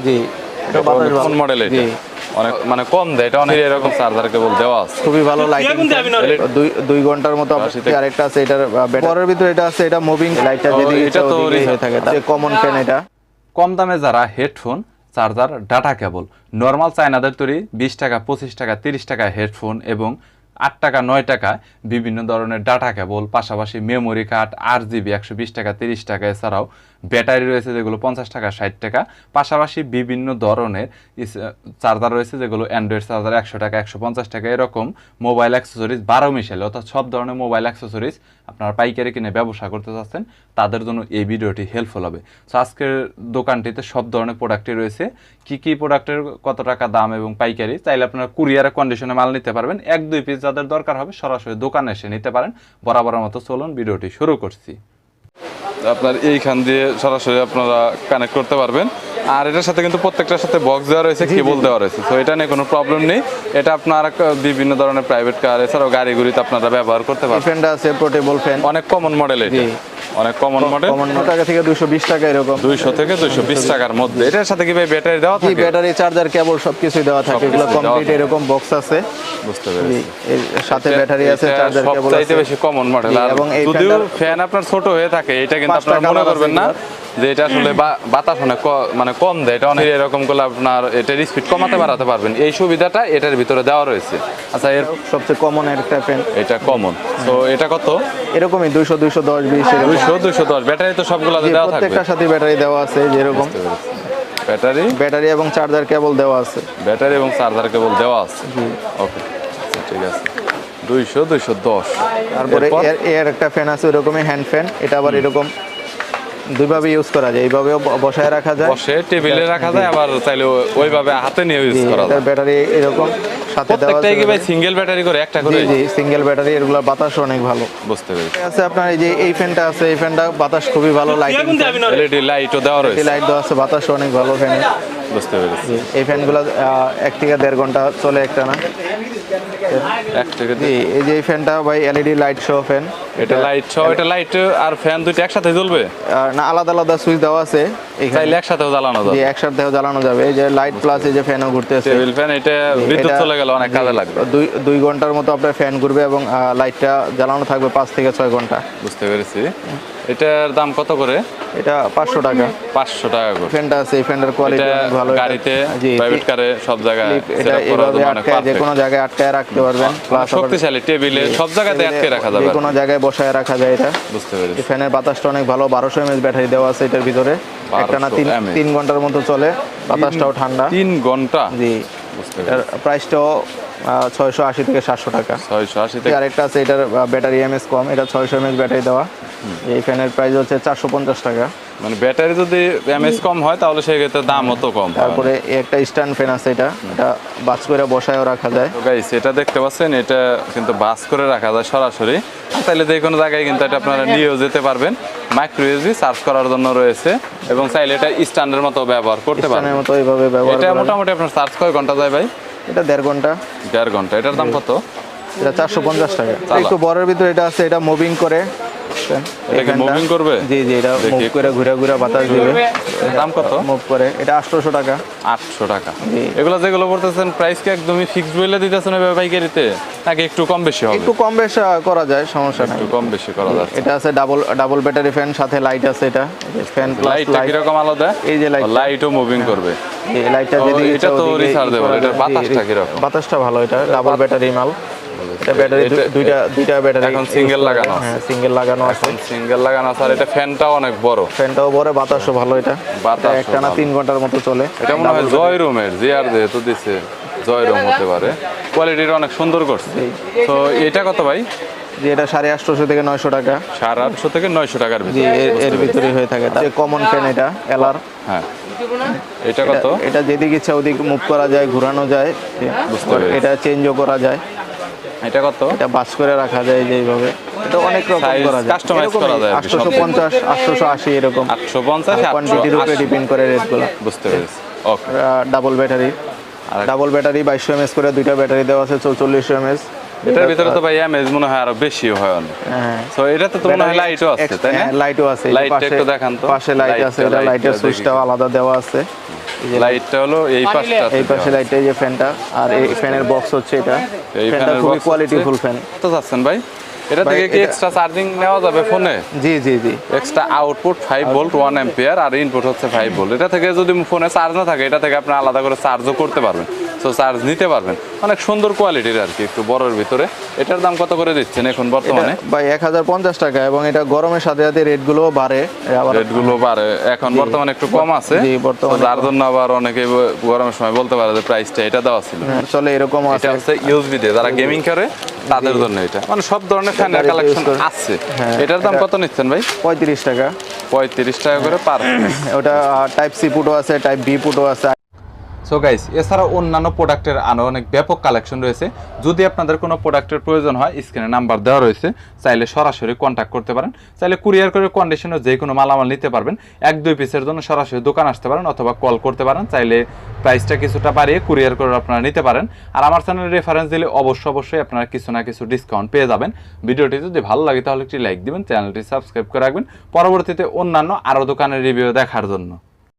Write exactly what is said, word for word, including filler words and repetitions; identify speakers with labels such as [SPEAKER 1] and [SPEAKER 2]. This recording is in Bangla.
[SPEAKER 1] জি, এটা
[SPEAKER 2] কোন মডেল এটা? অনেক মানে কম দেয়, এটা অনেক এরকম চার্জার কেবল দেওয়া আছে,
[SPEAKER 1] খুবই ভালো লাইটিং, দুই দুই ঘন্টার মতো। আরেকটা আছে এটার পরের ভিতরে, এটা আছে এটা মুভিং লাইটটা, যেদিকে ইচ্ছা ওদিকে হয়ে থাকে। তার কমন ফ্যান এটা।
[SPEAKER 2] কম দামে যারা headphone, charger, data cable, normal চায়নাদের তৈরি বিশ টাকা, পঁচিশ টাকা, তিরিশ টাকা হেডফোন এবং আট টাকা, নয় টাকা বিভিন্ন ধরনের ডাটা কেবল, পাশাপাশি মেমোরি কার্ড, আট জিবি একশো বিশ টাকা, তিরিশ টাকা, এছাড়াও ব্যাটারি রয়েছে যেগুলো পঞ্চাশ টাকা, ষাট টাকা, পাশাপাশি বিভিন্ন ধরনের চার্জার রয়েছে যেগুলো অ্যান্ড্রয়েড চার্জার একশো টাকা, একশো পঞ্চাশ টাকা, এরকম মোবাইল অ্যাক্সেসরিজ বারো মিশালে, অর্থাৎ সব ধরনের মোবাইল অ্যাক্সেসরিজ আপনারা পাইকারি কিনে ব্যবসা করতে চাচ্ছেন, তাদের জন্য এই ভিডিওটি হেল্পফুল হবে। সো আজকের দোকানটিতে সব ধরনের প্রোডাক্টই রয়েছে। কি কি প্রোডাক্টের কত টাকা দাম এবং পাইকারি, চাইলে আপনারা কুরিয়ারের কন্ডিশনে মাল নিতে পারবেন। এক দুই পিস যাদের দরকার হবে সরাসরি দোকানে এসে নিতে পারেন। বরাবরের মতো চলুন ভিডিওটি শুরু করছি। আপনার এইখান দিয়ে সরাসরি আপনারা কানেক্ট করতে পারবেন। আর এটার সাথে কিন্তু প্রত্যেকটার সাথে বক্স দেওয়া রয়েছে, কেবল দেওয়া রয়েছে, তো এটা নিয়ে কোনো প্রবলেম নেই। এটা আপনারা বিভিন্ন ধরনের প্রাইভেট কার এছাড়াও গাড়ি গুড়িতে আপনারা ব্যবহার করতে পারবেন।
[SPEAKER 1] ফ্যানটা আছে পোর্টেবল ফ্যান,
[SPEAKER 2] অনেক কমন মডেল, এটা অনেক কমন মডেল,
[SPEAKER 1] কমন টাকা থেকে দুইশো বিশ টাকা এরকম,
[SPEAKER 2] দুইশো থেকে দুইশো বিশ টাকার মধ্যে। এটার সাথে কি ভাই ব্যাটারি দেওয়া থাকে?
[SPEAKER 1] ব্যাটারি, চার্জার, কেবল সবকিছু দেওয়া থাকে, এগুলো কমপ্লিট এরকম বক্স আছে।
[SPEAKER 2] বুঝতে পেরেছি,
[SPEAKER 1] এর সাথে ব্যাটারি আছে, চার্জার, কেবল আছে।
[SPEAKER 2] সবচাইতে বেশি কমন মডেল। আর যদিও ফ্যান আপনার ছোট হয়ে থাকে, এটা কিন্তু আপনারা মনে করবেন না যে এটা আসলে বাতাস অনেক মানে কম দেয়, এটা অনেক এরকম করলে আপনার এটার স্পিড কমাতে বাড়াতে পারবেন, এই সুবিধাটা এটার ভিতরে দেওয়া রয়েছে। আচ্ছা, এর
[SPEAKER 1] সবচেয়ে কমন একটা ফ্যান,
[SPEAKER 2] এটা কমন। তো এটা কত?
[SPEAKER 1] এরকমই দুইশো, দুইশো দশ, বিশ,
[SPEAKER 2] দুইশো, দুইশো দশ। ব্যাটারি তো সবগুলোতে দেওয়া থাকবে,
[SPEAKER 1] প্রত্যেকটার সাথে ব্যাটারি দেওয়া আছে, যেরকম
[SPEAKER 2] ব্যাটারি
[SPEAKER 1] ব্যাটারি এবং চার্জার কেবল দেওয়া আছে,
[SPEAKER 2] ব্যাটারি এবং চার্জার কেবল দেওয়া আছে। ওকে, ঠিক আছে, দুইশো, দুইশো দশ।
[SPEAKER 1] তারপরে এর একটা ফ্যান আছে ওইরকমই হ্যান্ড ফ্যান, এটা আবার এরকম দুইভাবে ইউজ করা যায়, এইভাবেও বসায় রাখা যায়,
[SPEAKER 2] বসে টেবিলে রাখা যায়, আবার চাইলে ওইভাবে হাতে নিয়ে ইউজ করা যায়।
[SPEAKER 1] ব্যাটারি এরকম সাথে দেওয়া আছে।
[SPEAKER 2] প্রত্যেকটাই কি ভাই সিঙ্গেল ব্যাটারি করে একটা করে?
[SPEAKER 1] জি, সিঙ্গেল ব্যাটারি, এগুলা বাতাস অনেক ভালো।
[SPEAKER 2] বুঝতে পেরেছি।
[SPEAKER 1] আছে আপনার এই যে এই ফ্যানটা আছে, এই ফ্যানটা বাতাস খুবই ভালো, লাইটিং,
[SPEAKER 2] এলইডি লাইটও দেওয়া রয়েছে,
[SPEAKER 1] লাইট দেওয়া আছে, বাতাস অনেক ভালো ফ্যানে।
[SPEAKER 2] বুঝতে পেরেছি।
[SPEAKER 1] এই ফ্যানগুলো এক থেকে দেড় ঘন্টা চলে একটা না,
[SPEAKER 2] এক থেকে
[SPEAKER 1] জি। এই যে এই ফ্যানটা ভাই এলইডি লাইট সহ ফ্যান,
[SPEAKER 2] এটা লাইট সহ, এটা লাইট আর ফ্যান দুটো একসাথে জ্বলবে
[SPEAKER 1] না, আলাদা আলাদা সুইচ দেওয়া আছে,
[SPEAKER 2] চাইলে একসাথেও জ্বালানো যাবে।
[SPEAKER 1] জি, একসাথেও জ্বালানো যাবে। এই যে লাইট প্লাস এই যে ফ্যানও ঘুরতেছে,
[SPEAKER 2] টেবিল ফ্যান, এটা বিদ্যুৎ চলে গেলে অনেক কাজে লাগবে।
[SPEAKER 1] দুই দুই ঘন্টার মতো আপনার ফ্যান ঘুরবে এবং লাইটটা জ্বালানো থাকবে পাঁচ থেকে ছয় ঘন্টা।
[SPEAKER 2] বুঝতে পেরেছি। এটার দাম কত করে?
[SPEAKER 1] এটা পাঁচশো টাকা,
[SPEAKER 2] পাঁচশো টাকা করে।
[SPEAKER 1] ফ্যানটা আছে, এই ফ্যানের কোয়ালিটি অনেক ভালো,
[SPEAKER 2] গাড়িতে, প্রাইভেট কারে, সব জায়গায়
[SPEAKER 1] এটা এভাবে আটকায়, যে কোনো জায়গায় আটকায় রাখতে পারবেন, প্লাস
[SPEAKER 2] শক্তিশালী, টেবিলে সব জায়গাতে আটকে রাখা যাবে,
[SPEAKER 1] যে কোনো জায়গায় বসায় রাখা যায় এটা।
[SPEAKER 2] বুঝতে পেরেছি।
[SPEAKER 1] ফ্যানের বাতাসটা অনেক ভালো, বারোশো এমএএইচ ব্যাটারি দেওয়া আছে এটার ভিতরে, একটা না তিন তিন ঘন্টার মতো চলে, বাতাসটাও ঠান্ডা।
[SPEAKER 2] তিন ঘন্টা?
[SPEAKER 1] জি। এটার প্রাইসটাও ছয়শো আশি থেকে সাতশো টাকা।
[SPEAKER 2] ছয়শো আশি থেকে।
[SPEAKER 1] আরেকটা আছে, এটার ব্যাটারি এমএস কম, এটা ছয়শো এমএএইচ ব্যাটারি দেওয়া, এই ফ্যানের প্রাইস হচ্ছে চারশো পঞ্চাশ টাকা।
[SPEAKER 2] মানে ব্যাটারি যদি এমএস কম হয় তাহলে সেক্ষেত্রে দাম অত কম।
[SPEAKER 1] তারপরে একটা স্ট্যান্ড ফ্যান আছে, এটা এটা বাস করে বসায়ও রাখা যায়।
[SPEAKER 2] তো গাইস, এটা দেখতে পাচ্ছেন, এটা কিন্তু বাস করে রাখা যায় সরাসরি, তাহলে যে কোনো জায়গায় কিন্তু এটা আপনারা নিয়েও যেতে পারবেন। মাইক্রো ইউএসবি চার্জ করার জন্য রয়েছে এবং চাইলে এটা স্ট্যান্ডের মতো ব্যবহার করতে পারবেন।
[SPEAKER 1] স্ট্যান্ডের মতো এইভাবে ব্যবহার
[SPEAKER 2] এটা মোটামুটি আপনার চার্জ কয় ঘন্টা যায় ভাই?
[SPEAKER 1] এটা দেড় ঘন্টা।
[SPEAKER 2] দেড় ঘন্টা। এটার দাম কত?
[SPEAKER 1] এটা চারশো পঞ্চাশ টাকা। একটু বড়ের ভিতরে এটা আছে, এটা মুভিং করে,
[SPEAKER 2] এটা কি মুভিং করবে?
[SPEAKER 1] জি জি, এটা মুভ করে ঘুরে ঘুরে বাতাস দিবে।
[SPEAKER 2] দাম কত?
[SPEAKER 1] মুভ করে, এটা আটশো টাকা।
[SPEAKER 2] আটশো টাকা। এগুলো যেগুলো বলতেছেন প্রাইস কি একদমই ফিক্সড বলে দিতেছেন পাইকারিতে, নাকি একটু কম বেশি হবে?
[SPEAKER 1] একটু কম বেশি করা যায়, সমস্যা নাই,
[SPEAKER 2] একটু কম বেশি করা যায়।
[SPEAKER 1] এটা আছে ডাবল ডাবল ব্যাটারি ফ্যান, সাথে লাইট আছে, এটা ফ্যান প্লাস
[SPEAKER 2] লাইট কি রকম আলাদা?
[SPEAKER 1] এই যে লাইট,
[SPEAKER 2] লাইটও মুভিং করবে,
[SPEAKER 1] এই লাইটটা যদি
[SPEAKER 2] এটা তো রিচার্জেবল, এটা বাতাসটা কি রকম?
[SPEAKER 1] বাতাসটা ভালো, এটা ডাবল ব্যাটারি মাল, এটা ব্যাটারি দুইটা দুইটা ব্যাটারি,
[SPEAKER 2] এখন সিঙ্গেল লাগানো আছে।
[SPEAKER 1] হ্যাঁ, সিঙ্গেল লাগানো আছে,
[SPEAKER 2] সিঙ্গেল লাগানো আছে। আর এটা ফ্যানটাও অনেক বড়,
[SPEAKER 1] ফ্যানটাও বড়, বাতাসও ভালো, এটা
[SPEAKER 2] বাতাস
[SPEAKER 1] একটা না তিন ঘন্টার মতো চলে।
[SPEAKER 2] এটা মনে হয় জয় রুমের, জিআর যেহেতু দিছে জয় রুম হতে পারে, কোয়ালিটিটা অনেক সুন্দর করছে। তো এটা কত ভাই?
[SPEAKER 1] যে এটা সাড়ে আটশোশো থেকে নয়শো টাকা।
[SPEAKER 2] সাড়ে আটশো থেকে নয়শো টাকার
[SPEAKER 1] ভিতরে, এর ভিতরে হয়ে থাকে। যে কমন ফ্যান, এটা এলআর।
[SPEAKER 2] হ্যাঁ, এটা কত?
[SPEAKER 1] এটা যেদিকে ইচ্ছা ওদিকে মুভ করা যায়, ঘোরানো যায়, এটা চেঞ্জও করা যায়।
[SPEAKER 2] এটা কত?
[SPEAKER 1] এটা বাস করে রাখা যায় যে এইভাবে, এটা অনেক রকম করা যায়,
[SPEAKER 2] কাস্টমাইজ করা যায়,
[SPEAKER 1] আটশো পঞ্চাশ, আটশো আশি এরকম,
[SPEAKER 2] আটশো পঞ্চাশ
[SPEAKER 1] কোয়ান্টিটির উপরে ডিপেন্ড করে রেটগুলো।
[SPEAKER 2] বুঝতে পেরেছি। Okay.
[SPEAKER 1] Double battery, double battery বাইশশো এমএস করে, দুইটা ব্যাটারি দেওয়া আছে চৌচল্লিশশো এমএস।
[SPEAKER 2] এটার ভিতরে তো ভাই এমএস মনে হয় আরো বেশি হয় অনেক।
[SPEAKER 1] হ্যাঁ,
[SPEAKER 2] সো এটাতে তো মনে হয় লাইটও আছে, তাই না?
[SPEAKER 1] লাইটও আছে,
[SPEAKER 2] লাইটটা একটু দেখান তো।
[SPEAKER 1] পাশে লাইট আছে, এটা লাইটের সুইচটাও আলাদা দেওয়া আছে।
[SPEAKER 2] লাইটটা হলো এই পাশটা,
[SPEAKER 1] এই পাশে লাইটটা, এই যে ফ্যানটা, আর এই ফ্যানের বক্স হচ্ছে এটা।
[SPEAKER 2] এই
[SPEAKER 1] ফ্যানটা
[SPEAKER 2] ফ্যানের
[SPEAKER 1] খুবই
[SPEAKER 2] box
[SPEAKER 1] কোয়ালিটি
[SPEAKER 2] হচ্ছে-
[SPEAKER 1] ফুল ফ্যান।
[SPEAKER 2] তো যাচ্ছেন ভাই, এটা
[SPEAKER 1] ভাই,
[SPEAKER 2] থেকে কি
[SPEAKER 1] এটা-
[SPEAKER 2] এক্সট্রা চার্জিং নেওয়া যাবে ফোনে?
[SPEAKER 1] জি জি জি
[SPEAKER 2] extra output five volt one ampere আর ইনপুট হচ্ছে ফাইভ ভোল্ট। এটা থেকে যদি ফোনে চার্জ না থাকে, এটা থেকে আপনি আলাদা করে চার্জও করতে পারবেন, তো চার্জ নিতে পারবেন। অনেক সুন্দর কোয়ালিটির আর কি, একটু বড়ের ভিতরে। এটার দাম কত করে দিচ্ছেন এখন বর্তমানে?
[SPEAKER 1] এটা ভাই এক হাজার পঞ্চাশ টাকা, এবং এটা গরমের সাথে সাথে রেটগুলো বাড়ে আবার।
[SPEAKER 2] রেটগুলো বাড়ে, এখন বর্তমানে একটু কম আছে,
[SPEAKER 1] জি, বর্তমানে
[SPEAKER 2] তো যার জন্য আবার অনেকে গরমের সময় বলতে পারে যে প্রাইসটা এটা দেওয়া ছিল।
[SPEAKER 1] চলে এরকম
[SPEAKER 2] এটা
[SPEAKER 1] আছে।
[SPEAKER 2] হচ্ছে ইউএসবি দিয়ে যারা গেমিং করে তাদের জন্য এটা, মানে সব ধরনের ফ্যানের
[SPEAKER 1] গাড়িতে
[SPEAKER 2] কালেকশন
[SPEAKER 1] use করে।
[SPEAKER 2] আছে।
[SPEAKER 1] হ্যাঁ,
[SPEAKER 2] এটার দাম
[SPEAKER 1] এটা-
[SPEAKER 2] কত নিচ্ছেন ভাই?
[SPEAKER 1] পঁয়ত্রিশ টাকা।
[SPEAKER 2] পঁয়ত্রিশ টাকা করে পার।
[SPEAKER 1] ওটা টাইপ সি পুটও আছে, টাইপ বি পুটও আছে।
[SPEAKER 2] সো গাইস, এছাড়াও অন্যান্য প্রোডাক্টের আরও অনেক ব্যাপক কালেকশন রয়েছে। যদি আপনাদের কোনো প্রোডাক্টের প্রয়োজন হয়, স্ক্রিনে নাম্বার দেওয়া রয়েছে, চাইলে সরাসরি কন্ট্যাক্ট করতে পারেন। চাইলে কুরিয়ার করে কন্ডিশনে যে কোনো মালামাল নিতে পারবেন। এক দুই পিসের জন্য সরাসরি দোকান আসতে পারেন অথবা কল করতে পারেন। চাইলে প্রাইসটা কিছুটা বাড়িয়ে কুরিয়ার করে আপনারা নিতে পারেন। আর আমার চ্যানেলে রেফারেন্স দিলে অবশ্যই অবশ্যই আপনারা কিছু না কিছু ডিসকাউন্ট পেয়ে যাবেন। ভিডিওটি যদি ভালো লাগে তাহলে একটি লাইক দিবেন, চ্যানেলটি সাবস্ক্রাইব করে রাখবেন পরবর্তীতে অন্যান্য আরও দোকানের রিভিউ দেখার জন্য।